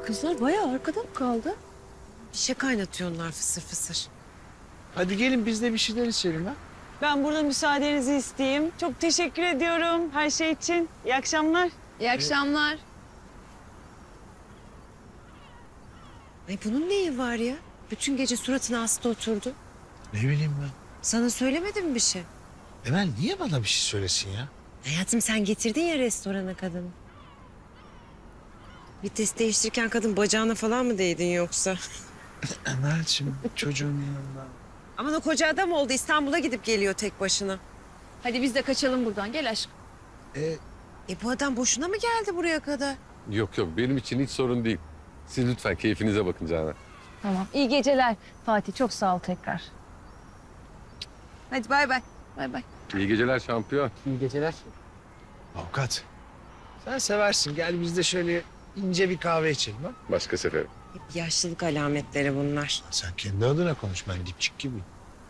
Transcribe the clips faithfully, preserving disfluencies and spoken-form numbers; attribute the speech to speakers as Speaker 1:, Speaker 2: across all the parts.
Speaker 1: Kızlar bayağı arkada mı kaldı?
Speaker 2: Bir şey kaynatıyorlar fısır fısır.
Speaker 3: Hadi gelin biz de bir şeyler içelim ha.
Speaker 4: Ben burada müsaadenizi isteyeyim. Çok teşekkür ediyorum her şey için. İyi akşamlar.
Speaker 1: İyi akşamlar.
Speaker 2: Ay bunun neyi var ya? Bütün gece suratına hasta oturdu.
Speaker 3: Ne bileyim ben.
Speaker 2: Sana söylemedim bir şey.
Speaker 3: Emel niye bana bir şey söylesin ya?
Speaker 2: Hayatım sen getirdin ya restorana kadını. Vites değiştirirken kadın bacağına falan mı değdin yoksa?
Speaker 3: Emel'cim çocuğun yanında.
Speaker 2: Aman o koca adam oldu. İstanbul'a gidip geliyor tek başına.
Speaker 1: Hadi biz de kaçalım buradan. Gel aşkım.
Speaker 3: E,
Speaker 2: E bu adam boşuna mı geldi buraya kadar?
Speaker 5: Yok yok benim için hiç sorun değil. Siz lütfen keyfinize bakın Canan.
Speaker 1: Tamam. İyi geceler Fatih. Çok sağ ol tekrar.
Speaker 2: Hadi bay bay.
Speaker 1: Bay bay.
Speaker 5: İyi geceler şampiyon.
Speaker 6: İyi geceler.
Speaker 3: avukat. Sen seversin. Gel biz de şöyle ince bir kahve içelim ha.
Speaker 5: Başka sefer.
Speaker 2: Hep yaşlılık alametleri bunlar.
Speaker 3: Sen kendi adına konuş. Ben dipçik gibi.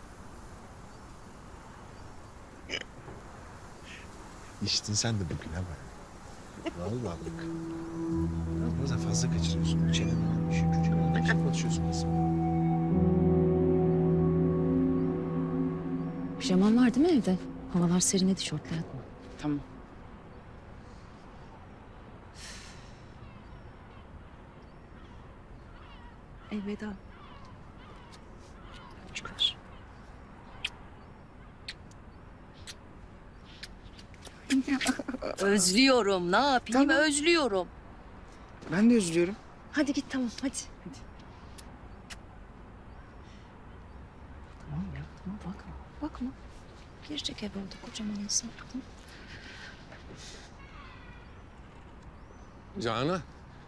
Speaker 3: İçtin sen de bugün ha bak. Vallahi bak. Biraz da fazla kaçırıyorsun. Çeneni düşün. Çeneni ne biçim konuşuyorsun kızım?
Speaker 1: Pijaman var değil mi evde? Havalar serinledi, şortla yatma.
Speaker 6: Tamam.
Speaker 2: Elveda. Çıkar.
Speaker 7: Özlüyorum. Ne yapayım?
Speaker 6: Tamam.
Speaker 7: Özlüyorum.
Speaker 6: Ben de üzülüyorum.
Speaker 1: Hadi git tamam hadi. Tamam ya tamam bakma. Bakma. Girecek eve orada kocaman insan. Tamam.
Speaker 5: Canan.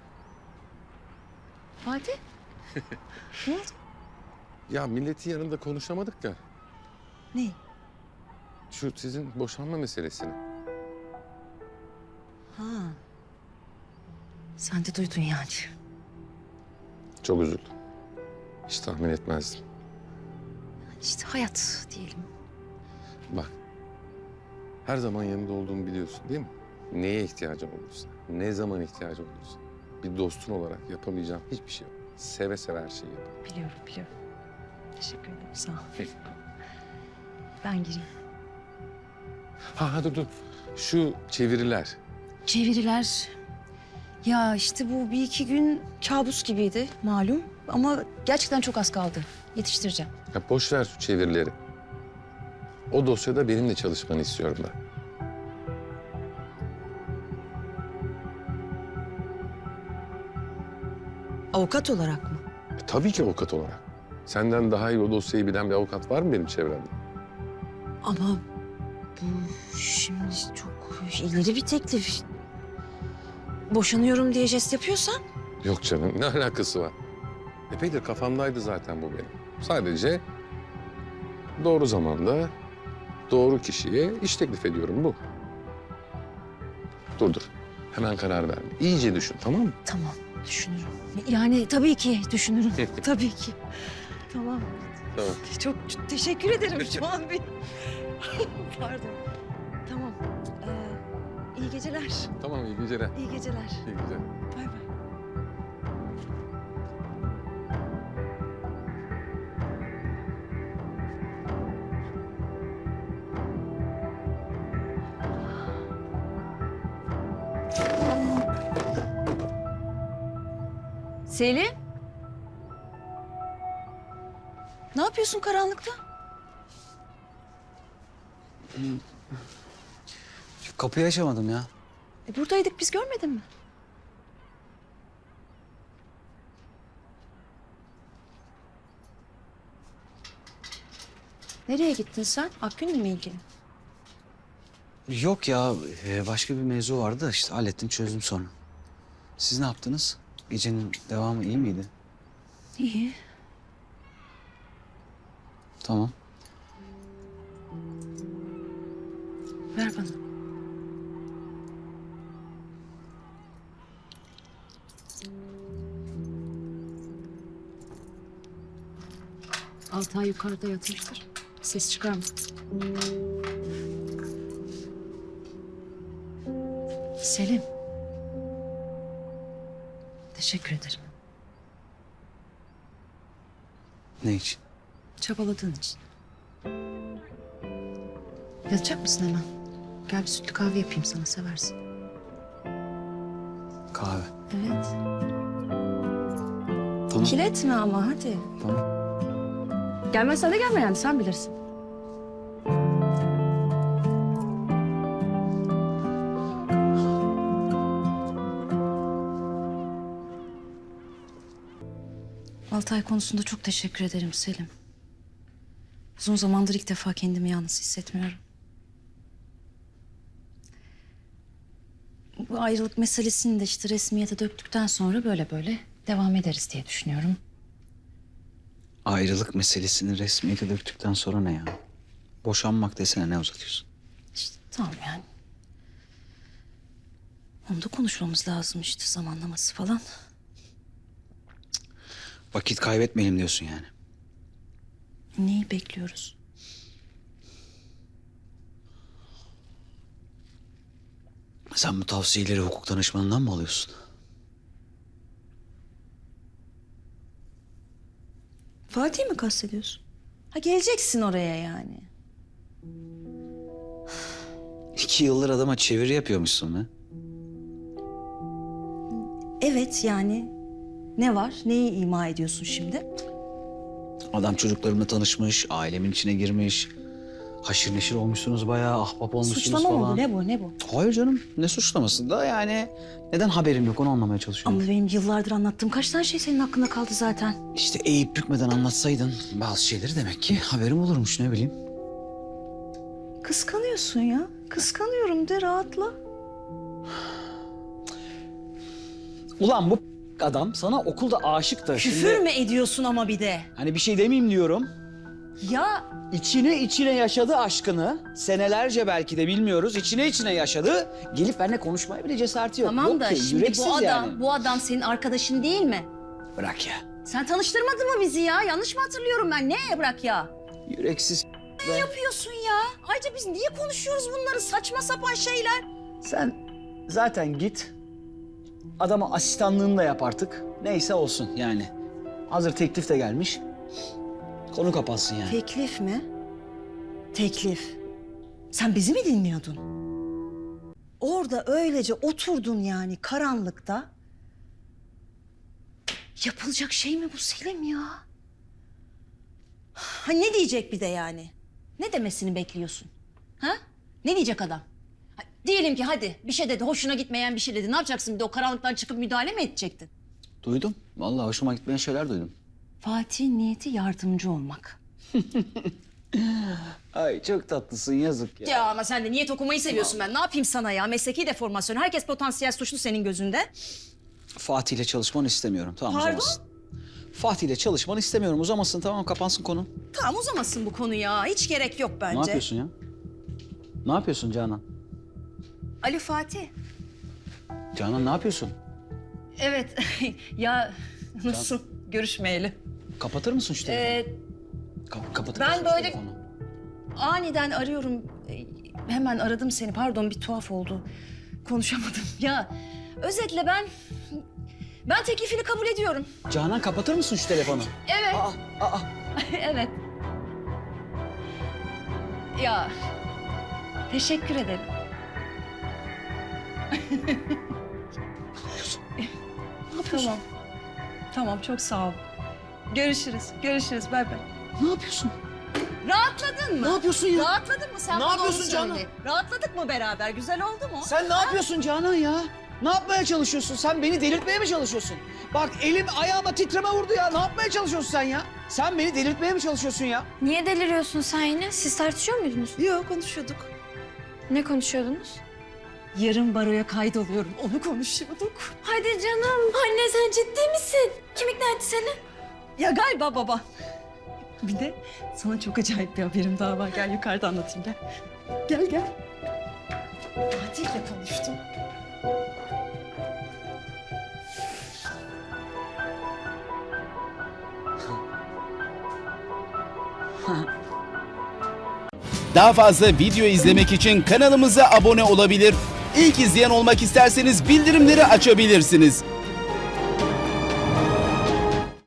Speaker 1: Fatih. Ne oldu?
Speaker 5: Ya milletin yanında konuşamadık ya.
Speaker 1: Ne?
Speaker 5: Şu sizin boşanma meselesini.
Speaker 1: Ha. Sen de duydun yani.
Speaker 5: Çok üzüldüm. Hiç tahmin etmezdim.
Speaker 1: İşte hayat diyelim.
Speaker 5: Bak. Her zaman yanında olduğumu biliyorsun değil mi? Neye ihtiyacın olursa, ne zaman ihtiyacın olursa. Bir dostun olarak yapamayacağım hiçbir şey yok. Seve seve her şeyi yaparım.
Speaker 1: Biliyorum biliyorum. Teşekkür ederim sağ ol. Ben gireyim.
Speaker 5: Ha hadi dur. Şu çeviriler.
Speaker 1: Çeviriler. Ya işte bu bir iki gün kabus gibiydi malum. Ama gerçekten çok az kaldı. Yetiştireceğim.
Speaker 5: Ya boş ver şu çevirileri. O dosyada benimle çalışmanı istiyorum ben.
Speaker 2: Avukat olarak mı?
Speaker 5: E, tabii ki avukat olarak. Senden daha iyi o dosyayı bilen bir avukat var mı benim çevremde?
Speaker 2: Ama bu şimdi çok ileri bir teklif. Boşanıyorum diye jest yapıyorsan.
Speaker 5: Yok canım, ne alakası var? Epeydir kafamdaydı zaten bu benim. Sadece doğru zamanda doğru kişiye iş teklif ediyorum bu. Dur dur, hemen karar verme. İyice düşün, tamam mı?
Speaker 1: Tamam düşünürüm. Yani tabii ki düşünürüm. tabii ki. Tamam.
Speaker 5: Tamam.
Speaker 1: Çok teşekkür ederim şu an bir. Pardon. Tamam. Ee, iyi geceler.
Speaker 5: Tamam, iyi geceler.
Speaker 1: İyi geceler.
Speaker 5: İyi geceler.
Speaker 1: Bay bay. Selim. Ne yapıyorsun karanlıkta?
Speaker 6: Kapıyı açamadım ya.
Speaker 1: E buradaydık biz görmedin mi? Nereye gittin sen? Akgün'le mi ilgili?
Speaker 6: Yok ya, e, başka bir mevzu vardı da işte hallettim, çözdüm sonra. Siz ne yaptınız? Gecenin devamı iyi miydi?
Speaker 1: İyi.
Speaker 6: Tamam.
Speaker 1: Ver bana. Altay yukarıda yatmıştır. Ses çıkarma. Selim. Teşekkür ederim.
Speaker 6: Ne için?
Speaker 1: Çabaladığın için. Yatacak mısın hemen? Gel bir sütlü kahve yapayım sana, seversin.
Speaker 6: Kahve.
Speaker 1: Evet.
Speaker 6: Tamam.
Speaker 1: Kiletme ama hadi.
Speaker 6: Tamam.
Speaker 1: Gelmezsen de gelme yani, sen bilirsin. Altay konusunda çok teşekkür ederim Selim. Uzun zamandır ilk defa kendimi yalnız hissetmiyorum. Bu ayrılık meselesini de işte resmiyete döktükten sonra böyle böyle devam ederiz diye düşünüyorum.
Speaker 6: Ayrılık meselesini resmiyete döktükten sonra ne ya? Boşanmak desene, ne uzatıyorsun?
Speaker 1: İşte tamam yani. Onu da konuşmamız lazım işte, zamanlaması falan.
Speaker 6: Vakit kaybetmeyelim diyorsun yani.
Speaker 1: Neyi bekliyoruz?
Speaker 6: Sen bu tavsiyeleri hukuk danışmanından mı alıyorsun?
Speaker 1: Fatih mi kastediyorsun? Ha, geleceksin oraya yani.
Speaker 6: İki yıldır adama çeviri yapıyormuşsun be.
Speaker 1: Evet yani. Ne var? Neyi ima ediyorsun şimdi?
Speaker 6: Adam çocuklarımla tanışmış, ailemin içine girmiş. Haşır neşir olmuşsunuz bayağı, ahbap olmuşsunuz
Speaker 1: Suçlama
Speaker 6: falan.
Speaker 1: mı bu? Ne bu? Ne bu?
Speaker 6: Hayır canım, ne suçlaması da yani neden haberim yok onu anlamaya çalışıyorum.
Speaker 1: Ama benim yıllardır anlattığım kaç tane şey senin hakkında kaldı zaten.
Speaker 6: İşte eğip bükmeden anlatsaydın bazı şeyleri demek ki haberim olurmuş, ne bileyim.
Speaker 1: Kıskanıyorsun ya. Kıskanıyorum de, rahatla.
Speaker 6: Ulan bu adam sana okulda aşık da
Speaker 1: Küfür mü ediyorsun ama bir de?
Speaker 6: Hani bir şey demeyeyim diyorum.
Speaker 1: Ya
Speaker 6: İçine içine yaşadı aşkını. Senelerce belki de bilmiyoruz. İçine içine yaşadı. Gelip benimle konuşmaya bile cesareti yok.
Speaker 1: tamam
Speaker 6: Yok
Speaker 1: da
Speaker 6: ki,
Speaker 1: şimdi
Speaker 6: yüreksiz
Speaker 1: bu adam,
Speaker 6: yani.
Speaker 1: bu adam senin arkadaşın değil mi?
Speaker 6: Bırak ya.
Speaker 1: Sen tanıştırmadın mı bizi ya? Yanlış mı hatırlıyorum ben? Ne bırak ya?
Speaker 6: Yüreksiz
Speaker 1: Ne yapıyorsun ya? Ayrıca biz niye konuşuyoruz bunları, saçma sapan şeyler?
Speaker 6: Sen zaten git. Adama asistanlığını da yap artık. Neyse olsun yani. Hazır teklif de gelmiş. Konu kapansın yani.
Speaker 1: Teklif mi? Teklif. Sen bizi mi dinliyordun? Orada öylece oturdun yani karanlıkta. Yapılacak şey mi bu Selim ya? Ha, ne diyecek bir de yani? Ne demesini bekliyorsun? Ha? Ne diyecek adam? Ha, diyelim ki hadi bir şey dedi, hoşuna gitmeyen bir şey dedi. Ne yapacaksın bir de, o karanlıktan çıkıp müdahale mi edecektin?
Speaker 6: Duydum. Vallahi hoşuma gitmeyen şeyler duydum.
Speaker 1: Fatih'in niyeti yardımcı olmak.
Speaker 6: Ay çok tatlısın, yazık ya.
Speaker 1: Ya ama sen de niyet okumayı seviyorsun, ben ne yapayım sana ya? Mesleki deformasyon. Herkes potansiyel suçlu senin gözünde.
Speaker 6: Fatih ile çalışmanı istemiyorum. Tamam,
Speaker 1: Pardon?
Speaker 6: uzamasın. Fatih ile çalışmanı istemiyorum. Uzamasın, tamam, kapansın konu.
Speaker 1: Tamam, uzamasın bu konu ya. Hiç gerek yok bence.
Speaker 6: Ne yapıyorsun ya? Ne yapıyorsun Canan?
Speaker 1: Ali Fatih.
Speaker 6: Canan ne yapıyorsun?
Speaker 1: Evet. Ya nasıl görüşmeyeli?
Speaker 6: Kapatır mısın şu telefonu?
Speaker 1: Ee,
Speaker 6: Ka- kapatır
Speaker 1: ben
Speaker 6: mısın şu
Speaker 1: böyle-
Speaker 6: telefonu?
Speaker 1: aniden arıyorum. Ee, Hemen aradım seni. Pardon, bir tuhaf oldu. Konuşamadım. Ya özetle ben... Ben teklifini kabul ediyorum.
Speaker 6: Canan kapatır mısın şu telefonu?
Speaker 1: Evet.
Speaker 6: Aa, aa.
Speaker 1: Evet. Ya teşekkür ederim. Tamam. Tamam, çok sağ ol. Görüşürüz. Görüşürüz. Bay bay.
Speaker 6: Ne yapıyorsun?
Speaker 1: Rahatladın mı?
Speaker 6: Ne yapıyorsun ya?
Speaker 1: Rahatladın mı? Sen
Speaker 6: Ne
Speaker 1: bana
Speaker 6: yapıyorsun
Speaker 1: onu
Speaker 6: Canan?
Speaker 1: söyle. Rahatladık mı beraber? Güzel oldu mu?
Speaker 6: Sen ne yapıyorsun Canan ya? Ne yapmaya çalışıyorsun? Sen beni delirtmeye mi çalışıyorsun? Bak elim ayağıma titreme vurdu ya. Ne yapmaya çalışıyorsun sen ya? Sen beni delirtmeye mi çalışıyorsun ya?
Speaker 7: Niye deliriyorsun sen yine? Siz tartışıyor muydunuz?
Speaker 1: Yok, konuşuyorduk.
Speaker 7: Ne konuşuyordunuz?
Speaker 1: Yarın baroya kaydoluyorum. Onu konuşuyorduk.
Speaker 7: Hadi canım. Anne sen ciddi misin? Kim ikna etti seni?
Speaker 1: Ya galiba baba. Bir de sana çok acayip bir haberim daha var. Gel yukarıda anlatayım, gel. Gel gel. Fatih'le konuştum.
Speaker 8: Daha fazla video izlemek için kanalımıza abone olabilir. İlk izleyen olmak isterseniz bildirimleri açabilirsiniz.